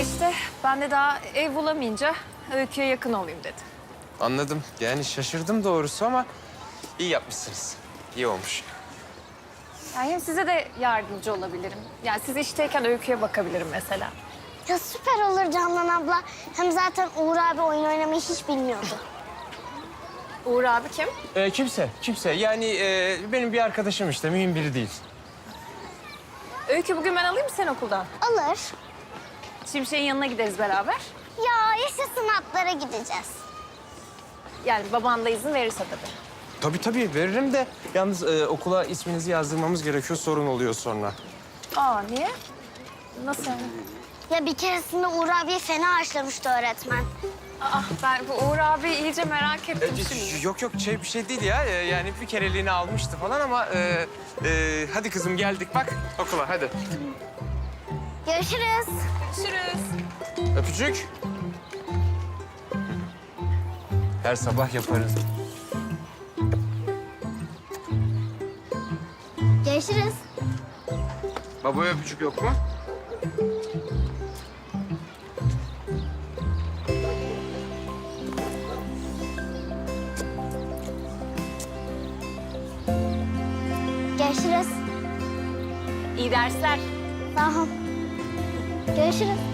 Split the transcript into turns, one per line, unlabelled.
işte ben de daha ev bulamayınca Öykü'ye yakın olayım dedim.
Anladım. Yani şaşırdım doğrusu ama iyi yapmışsınız. İyi olmuş.
Yani hem size de yardımcı olabilirim. Yani siz işteyken Öykü'ye bakabilirim mesela.
Ya süper olur Candan abla. Hem zaten Uğur abi oyun oynamayı hiç bilmiyordu.
Uğur abi kim?
Kimse. Yani benim bir arkadaşım işte, mühim biri değil.
Öykü bugün ben alayım mı seni okuldan?
Alır.
Şimşek'in yanına gideriz beraber.
Ya yaşasın atlara gideceğiz.
Yani baban da izin verirse tabii.
Tabii veririm de yalnız okula isminizi yazdırmamız gerekiyor, sorun oluyor sonra.
Aa niye? Nasıl yani?
Ya bir keresinde Uğur abiye fena haşlamıştı öğretmen.
Aa ben bu Uğur abi iyice merak ettim şimdi.
Yok bir şey değil ya. Yani bir kereliğine almıştı falan ama hadi kızım geldik bak okula hadi.
Görüşürüz.
Görüşürüz.
Öpücük. Her sabah yaparız.
Görüşürüz.
Babaya öpücük yok mu?
Görüşürüz.
İyi dersler.
Sağ ol. Görüşürüz.